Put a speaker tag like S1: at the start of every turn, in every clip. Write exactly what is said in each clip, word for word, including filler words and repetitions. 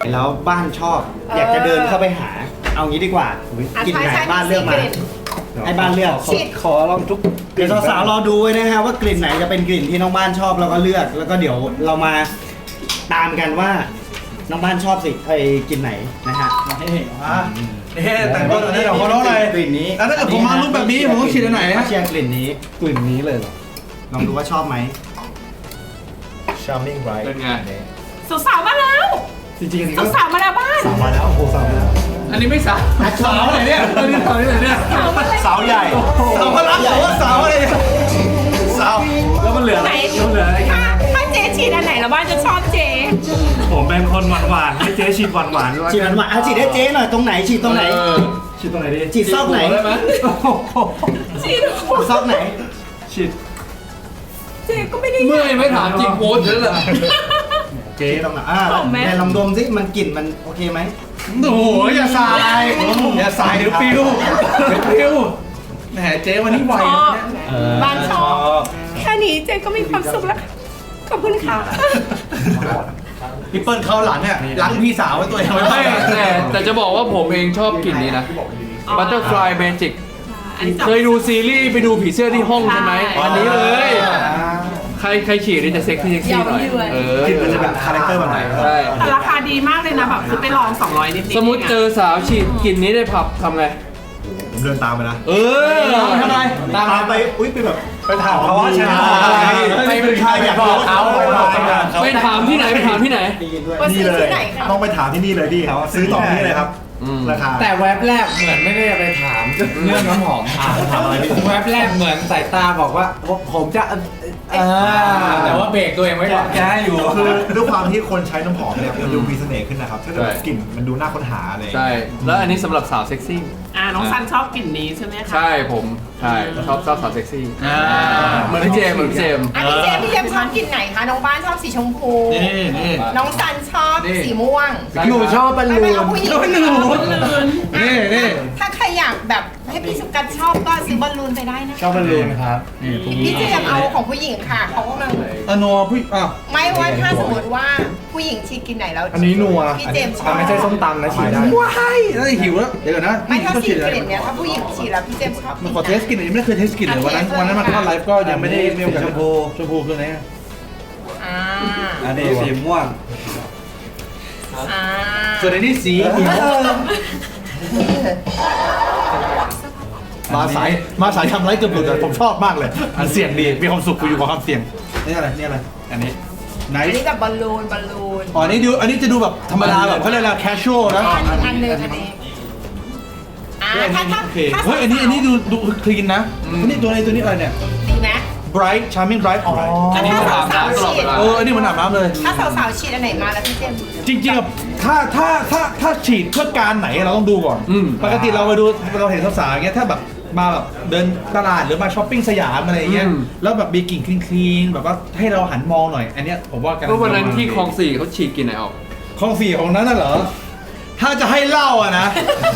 S1: แล้วบ้านชอบอยากจะเดินเข้าไปหาเอางี้ดีกว่ากินไหนบ้านเลือกมาให้บ้านเลือกขอลองทุกเดี๋ยวสาวๆรอดูไว้นะฮะว่ากลิ่นไหนจะเป็นกลิ่นที่น้องบ้านชอบแล้วก็เลือกแล้วก็เดี๋ยวเรามาตามกันว่าน้องบ้านชอบสิไอ้กลิ่นไหนนะฮะ
S2: นี่แต่งตัวนี้เราเขาเล่าอะไร
S1: กลิ่นนี้
S2: แล้วถ้าเกิดผมมารูปแบบนี้ผมต้องฉีดอันไหนฮะ
S1: เชียร์กลิ่นนี้กลิ่นนี้เลยเหรอลองดูว่าชอบไหม
S3: Charming Bright
S4: เป็นไง
S5: สาวๆมาแล้ว
S1: จริงๆอันนี้ก็
S5: สาวๆมาแล้วบ้าน
S1: สาวมาแล้วโอ้สาวมาแล้ว
S4: อันนี้ไม่สาว
S1: สาวไหนเนี่ย
S4: อันนี้สาวที่ไหนเนี่ย
S1: สาวใหญ่
S2: สาวพลังหรือว่าสาวอะไรสาว
S4: แล้วมันเหลืออะไร
S5: ไหน
S4: แล้วมันเหลืออะไร
S5: ถ้าถ้าเจ๊ฉีดอันไหนแล้วบ้านจะชอบเจ๊
S4: ผมเป็นคนหวานหวานให้เจ๊ฉีดหวานหวานด้วย
S1: ฉีดหวานๆเอาฉีดให้เจ๊หน่อยตรงไหนฉีดตรงไหน
S4: เออฉีดตรงไหนดี
S1: ฉีดซอกไหน
S4: ได้ไหม
S5: ฉีด
S1: ซอกไหน
S4: ฉีด
S5: เจ๊ก็ไม่ได้
S4: เมื่อยไม่ถามจริงโพสเยอะเลย
S1: เจ๊ตรงไหนอ่า
S5: หอมไหม
S1: ไหนลองดมสิมันกลิ่นมันโอเคไหม
S2: โอ้โหอย่าสายอย่าสายเดี๋ยวปิวเดี๋ยวปิวแหมเจ๊วันนี้ไว
S5: ชอบ
S2: เนี่ย
S5: บ้านชอบ แค่นี้เจ๊ก็มีความสุขแล้ว ขอบคุณค่ะ
S2: พี่เปิ้ลเข้าหลังเนี่ยหลังพี่สาวไว้ตัวเองไว้
S4: ไม่
S2: ไม่
S4: แต่แต่จะบอกว่าผมเองชอบกลิ่นนี้นะ Butterfly Magic
S5: อันนี้
S4: เคยดูซีรีส์ไปดูผีเสื้อที่ห้องใช่ไหมอันนี้เลย ใครใครฉีดนี่จะเซ็กซี่เซ็กซี่หน่อยเออก
S1: ลิ่นมันจะแบบคาแรคเตอร์แบบไหน
S4: ใช่
S5: แต่ราคาดีมากเลยนะแบบซื้อไปลองสองร้อยนิดๆ
S4: สมมติเจอสาวฉีดกลิ่นนี้ในผับทำไง
S3: ผมเดินตามไปนะ
S4: เออ
S2: ทำไม
S1: ตามไปอุ้ยไปแบบ
S3: ไปถามเขาว่าฉันอะไร
S1: ไปเป็นใครอยากรู้
S3: เขาไปบอกเขา
S4: ไปถามที่ไหนไปถามที่ไหน
S1: ได้ยินด้วย
S5: ว่า
S3: นี่
S5: ซื้อ
S3: เลย
S5: ที่ไหนคะ
S3: ต้องไปถามที่นี่เลยพี่ครับซื้อต่อที่เลยครับ
S4: อืม
S3: ราคา
S6: แต่แว็บแรกเหมือนไม่ได้ไปถามเรื่องน้ำหอมถาม
S3: ถามอะไรพี่
S6: แว็บแรกเหมือนสายตาบอกว่าผมผมจะเออแต่ว่าเบรกตัวเองไว้ก่อนแกอยู่
S3: คือด้วยความที่คนใช้น้ำหอมเนี่ยมันดูมีเสน่ห์ขึ้นนะครับถ้าเกิด
S4: ใช่
S3: กลิ่นมันดูน่าค้นหาอะไร
S4: ใช่ แล้วอันนี้สำหรับสาวเซ็กซี่
S5: อ่าน้องซันชอบกลิ่นนี้ใช่ไหมคะ
S4: ใช่ผม ใช่ชอบชอบสาวเซ็กซี่เหมือนพี่เจมส์เหมือนพี่เจมส์
S7: อันนี้เจมส์พี่เจมส์ชอบกลิ่นไหนคะ น้องบ้านชอบสีชมพู
S2: นี่นี่
S7: น้องซันชอบสีม่วง
S6: หนูชอบบอล
S7: ไม่
S6: ลู
S7: ไม่
S6: น
S7: เอาผู้หญิง
S2: แล้วหนูนี่นี่
S7: ถ้าใครอยากแบบให้พี่สุกัดชอบก็ซื้อบอลลูนไปได้นะ
S6: ชอบบอลลูนครับ
S7: พี่เจมส์เอาของผู้หญิงค่ะเขากำลัง
S2: อนัวพี่อ่ะ
S7: ไม่ว่าถ้าสมมติว่าผู้หญิงชีกินไหนแล้ว
S3: อันนี้นัว
S7: พี่เจมส์ชอบ
S6: ไม่ใช่ส้มตำนะฉีดได้
S2: ว้ายน่าจะหิวแล้วเดี๋ยวก่อนนะ
S7: ไม่ถ้า
S2: ต้อง
S7: สี
S2: ฉีดอะไร
S7: กลิ่นเนี้ยถ้าผู้หญิงฉีดแล้วพี่เจมส์ชอบ
S2: มันขอเทสกลิ่นหน่อยยังไม่ได้เคยเทสกลิ่นเลยวันนั้นวันนั้นมาเข้าไลฟ์ก็ยังไม่ได้เรียกชมพูชมพูคืออะไร
S7: อ่า
S6: อันนี้สีม่วง
S7: อ่า
S2: ส่วนอันนี้สีเขียวมาสายมาสายทำไรเกือบหลุดอะผมชอบมากเลยอันเสี่ยงดีมีความสุขกูอยู่กับความเสี่ยงนี่อะไรนี่อะไรอันนี้ไหน
S7: อันนี้แบบบอลลูนบอลลูน
S2: อ๋อนี่ดูอันนี้จะดูแบบธรรมดาแบบเขาเรียกอะไร casual นะ
S7: อันนี้อันหนึ่งอันนี้อ่าถ้าถ้า
S2: โอเค
S7: ถ้า
S2: เฮ้ยอันนี้อันนี้ดูดูคลีนนะอันนี้ตัวอะไรตัวนี้อะไรเนี่ย
S7: ดีไหม
S2: bright charming bright อ๋อ
S4: อันนี้มันอาบน้ำตลอดเวลา
S2: เอออันนี้มันอาบน้ำเลย
S7: ถ้าสาวๆฉีดอันไหนมาแล้วพี่เจมส์
S2: จริงๆอะถ้าถ้าถ้าถ้าฉีดเพื่อการไหนเราต้องดูก่อน
S4: อืม
S2: ปกติเราไปดูเราเห็นสาวๆอย่างเงี้ยถ้าแบบมาแบบเดินตลาดหรือมาช้อปปิ้งสยามอะไรอย่างเงี้ยแล้วแบบมีกลิ่นคลีนๆแบบว่าให้เราหันมองหน่อย อันเนี้ยผมว่าการ
S4: ก็วันนั้นที่คลองสี่เขาฉีดกลิ่นไหนออก
S2: ของสี่ของนั้นน่ะเหรอ ถ้าจะให้เล่าอะนะ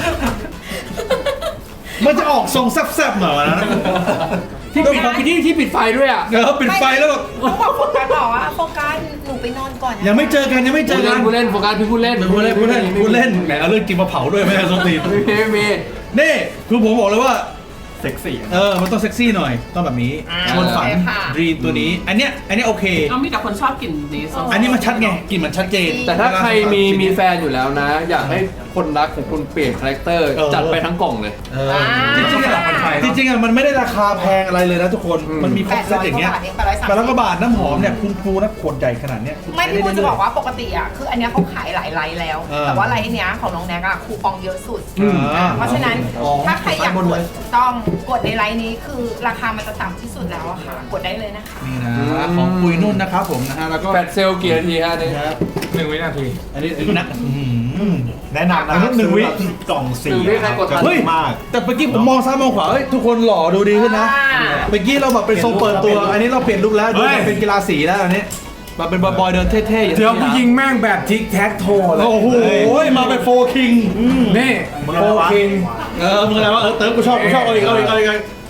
S2: มันจะออกทรงแซ่บๆหน่อยนะ
S4: ที่ปิดที่ที่ปิดไฟด้วยอ่ะ
S2: เออปิดไฟแล้วแบบ
S7: ต้องบอกโฟกัสบอกว่าโฟกัสหนูไปนอนก่อนนะ
S2: ยังไม่เจอกันยังไม่เจ
S4: พู
S2: อ
S4: ด
S2: กั
S4: เล่
S2: น
S4: นพูดเล่นโฟกัสพี่พูดเล่น
S2: พูดเล่นพูดเล่นพูดเล่นแหมเอาเรื่องจริงมาเผาด้วยไม่ใช่สตีน
S4: ไม่มีไม่มี
S2: นี่คือผมบอกเลยว่า
S3: เซ็กซี่
S2: เออ มันต้องเซ็กซี่หน่อย ต้องแบบนี้
S7: อ่า
S2: ชวนฝัน
S7: โอเคค่ะ
S2: ดรีมตัวนี้ อันเนี้ย อันเนี้ยโอเค
S5: เรามีแต่คนชอบกลิ่นนี้ส้ม
S2: อันนี้มันชัดไง กลิ่นมันชัดเจน
S4: แต่ถ้าใครมีมีแฟนอยู่แล้วนะ อยากให้คนรักของคุณเปลี่ยนคาแรคเตอร์
S2: เออ
S4: จัดไปทั้งกล่องเลย
S2: เออจริงๆอะจริงๆอะมันไม่ได้ราคาแพงอะไรเลยนะทุกคน
S4: อืม
S2: มันมีครบเซตอย่างเงี้ย
S7: แปดร้อยกว่าบาทเองแปดร้อยสามสิบ
S2: แปดร้อยกว่าบาทน้ำหอมเนี่ยคุณครูนะขวดใหญ่ขนาดเนี้ยคุณ
S7: ไม่พี่
S2: ใช้
S7: พูด
S2: ด้
S7: จะบอก
S2: เรื่ย
S7: ว่าปกติอ่ะคืออันเนี้ยเขาขายหลายไลน์แล้ว
S2: เออ
S7: แต่ว่าไลน์เนี้ยของน้องแน็กอ่ะคูปองเยอะสุด
S2: อืม
S7: อ่าเพราะฉะนั้น
S2: อ๋อ
S7: ถ้าใครอยาก
S2: บน
S7: ก
S2: เล
S7: ด
S2: ย
S7: ต้องกดในไลน์นี้คือราคามันจะต่ำที่สุดแล้วอะค่ะ กดได้เลยนะคะ
S2: นี่นะของปุยนุ่นนะครับผมนะฮะแล้วก็
S4: แฟดเซลกี่นาทีฮะนี่
S2: ครับ
S4: หนึ่งวินาที
S2: อันนี้อันนี้นะอื้อหือ
S3: แนะนำนะครับ
S2: หนึ่งวิ
S3: ซื้อแบบกล่องสี
S4: หนึ่งวิใครกดทัน
S3: จะ
S2: เฮ้ย
S3: ดีมาก
S2: แต่เมื่อกี้ผมมองซ้ายมองขวาเฮ้ยทุกคนหล่อดูดีขึ้นนะ
S7: อ่า
S2: เมื่อกี้เราแบบเป็นทรงเปิดตัว อันนี้เราเปลี่ยนลุคแล้วดู
S6: เฮ้ย
S2: เป็นกีฬาสีแล้วอันนี้มาเป็นบอยๆเดินเท่ๆอย่าง
S6: เดี๋ยว
S2: นี้
S6: ผู้ยิงแม่งแบบทิกแท็กโทเลย
S2: โอ้โหมาเป็นโฟคิง
S6: นี่
S3: มึง
S6: โฟ
S3: อะไรวะ
S6: คิง
S2: เออมึงอะไรวะเออเติร์กกูชอบกูชอบเอาอีกเอาอีกเอาอีกเอาอีก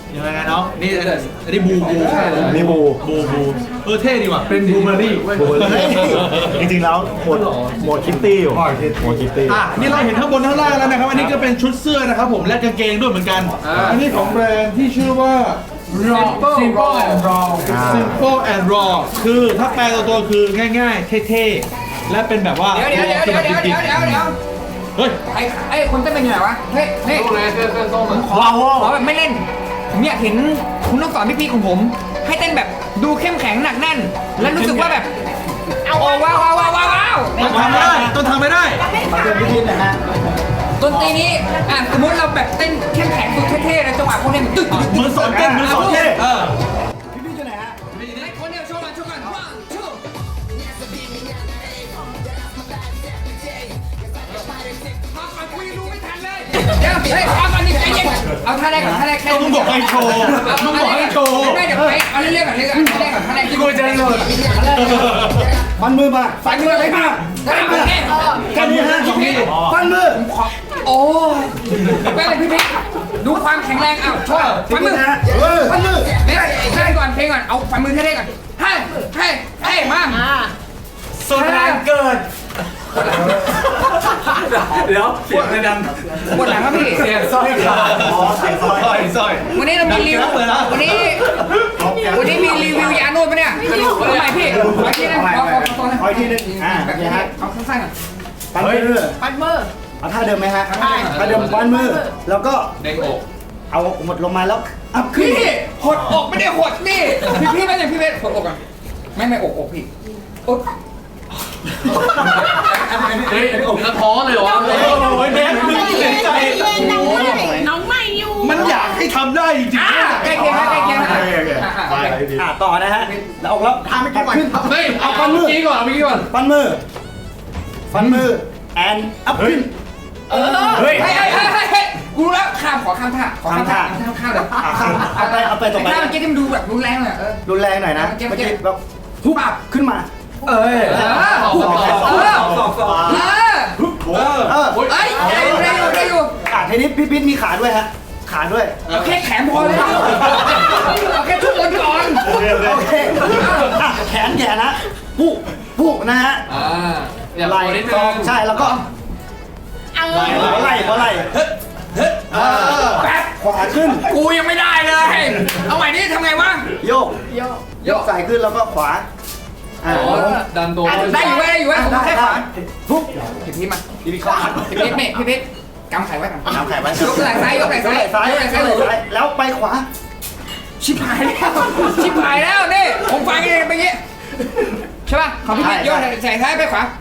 S2: ยังไงเนาะนี่อันนี้บูบู
S3: นี่บู
S2: บูบูเออเท่ดีว่ะ
S4: เป็นบูเบอรี่
S3: บูเบอร์รี่จริงๆแล้วหมดหมดคิตตี้อยู่หมดคิตตี้
S2: อ่ะนี่เราเห็นข้างบนข้างล่างแล้วนะครับอันนี้ก็เป็นชุดเสื้อนะครับผมและกางเกงด้วยเหมือนกันอันนี้ของแบรนด์ที่ชื่อว่า
S4: Simple and Raw
S2: Simple and Raw คือถ้าแปลตัวๆคือง่ายๆ เท่ๆ และเป็นแบบว่า
S8: เดี๋ยวเดี๋ยวเดี๋ยวเดี๋ยวเดี๋ยวเดี๋ยวเดี๋ยวเดี๋ยว
S2: เฮ้ย
S8: ไอ้ไอ้คนเต้นเป็นยังไงวะ เฮ้ยเฮ้ย
S4: ต้องเลยเสื้อเสื้อส้มอะ
S8: ขอขอแบบไม่เล่น ผมอยากเห็นคุณต้องสอนพี่ๆของผม ให้เต้นแบบดูเข้มแข็งหนักแน่น และรู้สึกว่าแบบเอาว้าวว้าวว้าวว้าวว้าว
S2: ต้องทำไม่ได้ต้องทำไม่ได้
S1: มาเดินพิธีหนะฮะ
S8: ดนตรีนี้อ่ะสมมติเราแบบเต้นเข้มแข็งดูเท่ๆแล้วจังหวะพวกนี้มันตึ๊ดตึ๊ดตึ๊ด
S2: เหมือนสอนเต้นเหมือนสอนเท่เออ
S1: พี่พี่อยู่ไหนฮะ
S8: ไอ้คนเดียวโชว์มันโชว์กัน one two พอก่อนคุยรู้ไม่ทันเลย เดี๋ยวเฮ้ยพอก่อนนี่ใจเย็นเอาท่าแรกก่อนท่าแรกแค่
S2: ต้องบอกให้โชว์ต้องบอกให้โชว์
S8: ไม่เดี๋ยวไปเอาเรื่อยๆก่อนเรื่อยๆก่อนท่าแรกก่อนท่าแรกที่กูจะโดน
S1: ฟันมือมา
S8: ฟันมือไปมาได้ไหม
S1: แค่นี้ฮะฟันมือ
S8: โอ้ไปเลยพี่พี่ดูความแข็งแรงอ้าวโชว์ฟันมือ
S1: นะฮะเออฟันมือ
S8: เดี๋ยวเพลงก่อนเพลงก่อนเอาฟันมือเท่ๆก่อนเฮ้ยเฮ้ยเฮ้ยมา
S6: สุดแรงเกินเดี๋ยวเสียงเลยดัง
S8: หมดหลังครับพี่
S6: เสียงสร้อยขาด
S3: อ๋อใส่ซอย
S2: สร้อยสร้อย
S8: วันนี้เรามีรีวิววันนี้วันนี้มีรีวิวยาโน้ตปะเนี่ยทำไมพี่ขอที่นะขอขอขอ
S1: ขออีกทีหนึงอ่า
S8: แบบ
S1: เนี่
S8: นี้
S1: ยฮะ
S8: เอาสั้นๆก่อน
S1: ฟันมือ
S7: ปัดมือ
S1: เอาท่าเดิมไหมฮะท่าเดิมฟันมือ แล้วก็
S4: เด้งอก
S1: เอาหมดลงมาแล้วอัพขึ้น
S8: พี่หดอกไม่ได้หดนี่พี่พี่ไม่ใช่พี่เวทหดอกก่อนไม่ไม่อกอกพี่อก
S4: เฮ้ยกระท้อเลยเหรอวะ
S2: โอ้ยแม่มึงเสียใจ
S7: น้องใหม่น้องใหม่อยู่
S2: มันอยากให้ทำได้จริง
S8: อ่ะใกล้เคียงใกล้เคียง
S3: โอเคโอเคไปอะไรดี
S1: อ่าต่อนะฮะแล้วออกแล้วทำไม่ก่อนขึ้น
S4: เฮ้ยเอาฟันเมื่อกี้ก่อนเอาเมื่อกี้ก่อน
S1: ฟันมือ ฟันมือ แอนอัพขึ้น
S8: เออเฮ้ยเฮ้ยเฮ้ยเฮ้ยเฮ้ยกูรู้แล้วข้ามขอข้ามท่าขอข้ามท่าข้ามท่าเลย
S1: อ่ะข้ามเอาไปเอาไปต่อไป
S8: ท่าเมื่อกี้ที่มันดูแบบรุนแรงเลยเออ
S1: รุนแรงหน่อยนะ
S8: เมื่
S1: เมื่
S8: อ
S1: อ
S8: กี้
S1: กี้แบบ
S8: ทุบอับ
S1: ขึ้นมา
S6: เอ้ย
S8: เออเออเออ
S2: ๆเออ
S1: เออ
S8: เอ้ยได้อยู่ได้อยู่ได้อยู่
S1: อ่ะทีนี้พี่พิษมีขาด้วยฮะ ขาด้วย
S8: เอาแค่แขนพอเลยเอาแค่ทุกคนก่อน
S1: โอเคอ่ะแขนแขนนะปุ๊ปุ๊นะฮะ
S4: อ่าอย่า
S1: ไห
S4: ไห
S1: ล่
S4: ลนิด
S1: ซ
S4: นึ
S1: อง
S4: ง
S1: ใช่แล้วก็
S7: เอ
S1: หัวไหล่หัวไหล่เออ
S8: แป๊บ
S1: ขวาขึ้น
S8: กูยังไม่ได้เลย เอาใหม่นี่ทำไงวะ
S1: โยก
S7: โยก
S1: โยกใส่ขึ้นแล้วก็ขวาอ่า
S4: อ๋อดันตัว
S8: ได้อยู่ไว้ได้อยู่ไว้ผมแค่ขวา
S1: ปุ๊บ
S8: พี่พีทมา
S1: พี่พิษขา
S8: พี่พีทนี่พี่พีทกำไข่ไว้ก่อน
S1: น้ำไข่ไว้
S8: ยกไหล่ซ้ายยกไหล่ซ้าย
S1: ซ้าย
S8: ยกไหล่ซ้าย
S1: ยกไหล่ซ้ายแล้วไปขวา
S8: ชิบหายแล้วชิบหายแล้วนี่ผมฟังกันไปงี้ใช่ป่ะของพี่พีทยกไหล่ใส่ซ้ายไปขวา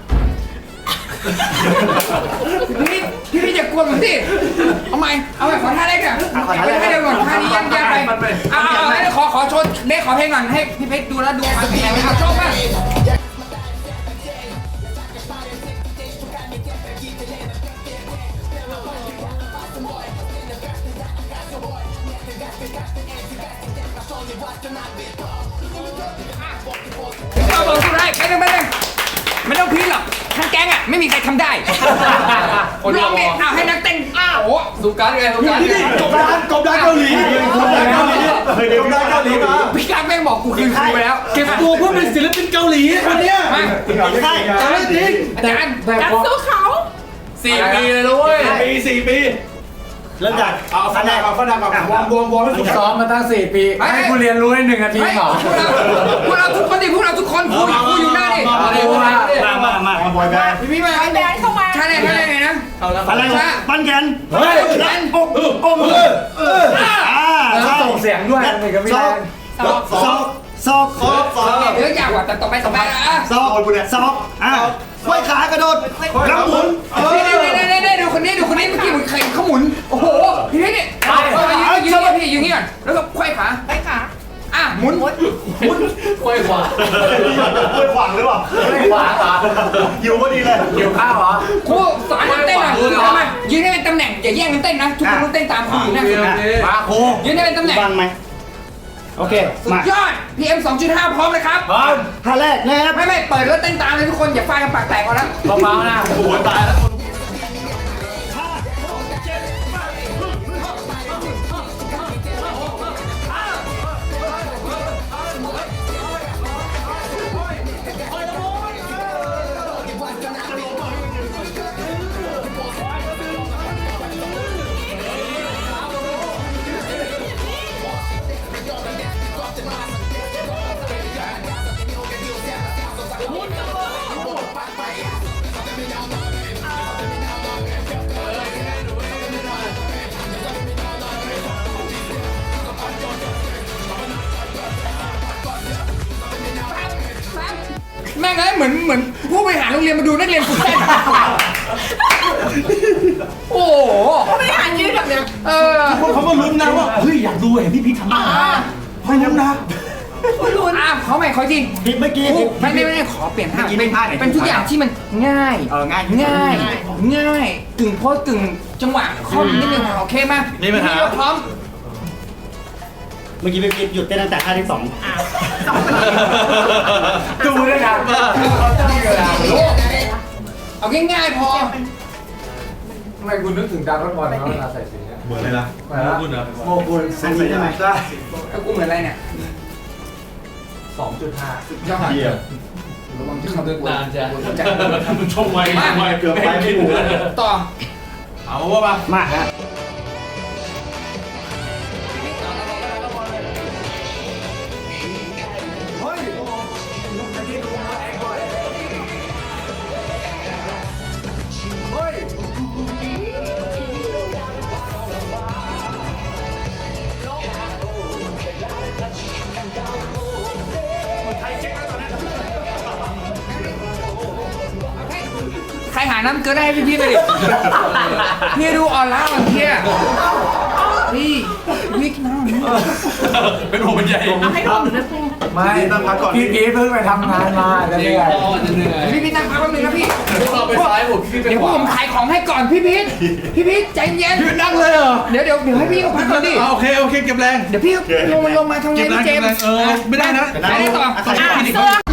S8: พี่พี่พี่จะกวนผมสิเอาใหม่เอาใหม่ขอท่าแรกอ่ะเอาไปท่าเดียวก่อนท่านี้ยังยากไปเอาเอาเอาขอขอโชว์เด็กขอเพลงก่อนให้พี่เพชรดูแล้วดูความแข็งแรงเอาโชว์ป่ะเอาบอกสุดท้ายไปเลยไปเลยไม่ต้องพีทหรอกทั้งแก๊งอ่ะไม่มีใครทำได้คนร้องเนี่ยเอาให้นักเต้นอ้าวโอ้
S4: สุการไงสุการ
S2: นี่นี่กบดานกบดานเกาหลีกบดานเกาหลีเคยเดียวดานเกาหลีมา
S8: พี่กั๊กแม่งบอกกูคืนครูไปแล้ว
S2: เก็บตัวเพื่อเป็นศิลปินเกาหลีคนเนี้ย
S8: มา
S1: ใช่
S2: แต่ไม่จริง
S8: อาจารย์
S7: กัดสู้เขา
S4: สี่ปีเลยนะเว้ย
S2: ปีสี่ปี
S1: เริ่มจาก
S3: เอาฟันดาบเอาฟันดาบกับวอร์มวอร์มวอร์มให้สุด
S6: ซ้อมมาตั้งสี่ปี ให้กูเรียนรู้ในหนึ่งนาที
S8: เฮ้ย
S6: เหรอ
S8: พวกเราพวกเราทุกคนดิพวกเราทุกคนครูครูอยู่หน้าดิ
S4: มาเลยมาเลย
S1: มามามา
S3: มาบอยแบนด์
S8: พี่พี่มา
S7: ไปแบนเข้ามา
S8: ใช่เลยใช่เลยไงนะ
S1: อะไรวะปั้นแขน
S2: เฮ้ย
S1: แขนอกอกมืออ่าใช่
S6: ส่งเสียงด้วยมันก็ไม่
S1: ซ
S6: ได้
S1: อกซอกซอกซอกซอก
S8: เดี๋ยวยากกว่าแต่ต่อไปต่อไปอ่ะ
S1: ซอกซอกอ่าห้อยขากระโดดกำหมุน
S8: นี่นี่นี่นี่นี่ดูคนนี้ดูคนนี้เมื่อกี้เหมือนใครเขาหมุนโอ้โหพี่พี่นี่ยืนยืนพี่ยืนนี่ก่อนแล้วก็ควายขา
S7: ไปขา
S8: อ่ะหมุน
S4: ค่อยขวา
S3: ไม่ขวางหรือเปล่า
S6: ไม่ขวาเหรอ
S3: หิวพอดีเลย
S6: หิวข้าวเหรอ
S8: ครูสอนเต้นหน่อยทำไมยืนให้เป็นตำแหน่งอย่าแย่งกันเต้นนะทุกคนต้องเต้นตามครูอยู่นะ
S6: มาครู
S8: ยืนให้เป็นตำแหน่ง
S1: ฟังไหมโอเค
S8: สุ
S1: มา
S8: ดยอด พี เอ็ม สองจุดห้า พร้อมนะครับ
S6: พร้อม
S1: ท่าแรกนะครับ
S8: ไม่ไม่เปิดแล้วเต้นตามเลยทุกคนอย่าฟาดกันปากแตกก่อนนะ
S6: เบาๆนะ
S3: โอ้โหตายแล้ว
S1: ห
S8: เหมือนเหมือนผู้บริหารโรงเรียนมาดูนักเรียนฝึกเต้นโอ้โห
S5: ไม่ได้อ่านยืดแบบเนี้ย
S8: เออ
S2: เขาก็ลุ้นนะว่าเฮ้ยอยากดูเห็นพี่พีททำได้เพราะงั้นนะ
S5: คุณลุ้น
S8: อ่ะขอใหม่ขอจริง
S1: ผิดเมื่อกี้ผิด
S8: ไม่ไม่ไม่ขอเปลี่ยนท่า
S1: เมื่อกี้
S8: เป็น
S1: ไม่พลาดไหน
S8: เป็นทุกอย่างที่มันง่าย
S1: เออง่าย
S8: ง่ายง่ายกึ่งโพสกึ่งจังหวะข้อมนิดนึงโอเคไหม
S2: นี่ปัญหา
S8: เราพร้อม
S1: เมื่อกี้พี่พีทหยุดเต้นตั้งแต่ท่าที่สอง
S6: ดูด้วยนะเขาจะมีเวลา
S8: เอาง่ายๆพอ
S6: ทำไมคุณนึกถึงดาวน์บอลเนาะเวลาใส่สีเนี่ย
S3: เหมือนเลยนะ
S6: เหมือนคุณเหรอโมกุล
S1: อันนี้ได้ไหม
S6: ได้
S8: แล้วกูเหมือนอะไรเนี่ย
S6: สองจุดห้า
S8: ยอด
S3: เยี่ยม
S8: ระวังจะเข้าด้วยกู
S4: นานจะ
S8: จะ
S4: ชมไว้ชมไว้
S3: เกือบไปไม่ถูก
S8: ต่อ
S2: เอาว่ามา
S1: มาฮะ
S8: ใครหาน้ำเกลือได้ให้พี่พี่ไปดิ พี่ดูออนไลน์เที่ยพี่พี่กินน้ำหน่อย
S2: เป็นหัวเป็นใหญ่
S5: เอาให้ผมนะคุณ
S6: ไม่
S3: ต้องพักก่อน
S6: พี่พีทเพิ่งไปพี่งานมาแล้ว
S4: เด็
S6: เนี่
S4: ก
S6: ย
S4: พ่อจะเหนื่อย
S8: พี่พี่นั่งพักแป๊บนึงนะพี่
S4: เราไปซ้ายผมพี่ไป
S8: เดี๋ยว
S4: ข
S8: พวก
S4: วา
S8: ผมขายของให้ก่อนพี่พีทพี่พีทใจเย็น
S2: พี่นั่งเลยเหรอ
S8: เดี๋ยวเดี๋ยวเดี๋ยวให้พี่เขาพักก่อนดิ
S2: อ่าโอเคโอเคเก็บแรง
S8: เดี๋ยวพี่ลงมาลงมาทำไง
S2: เก็บแรง
S8: พี่เจ
S2: เก็บ
S8: ม
S2: แรง
S8: ส์
S2: เออไม่ได้นะ
S8: ไปได้ต่อ
S1: ใคร
S5: อ่ะ
S1: ผิด
S5: เสื้อ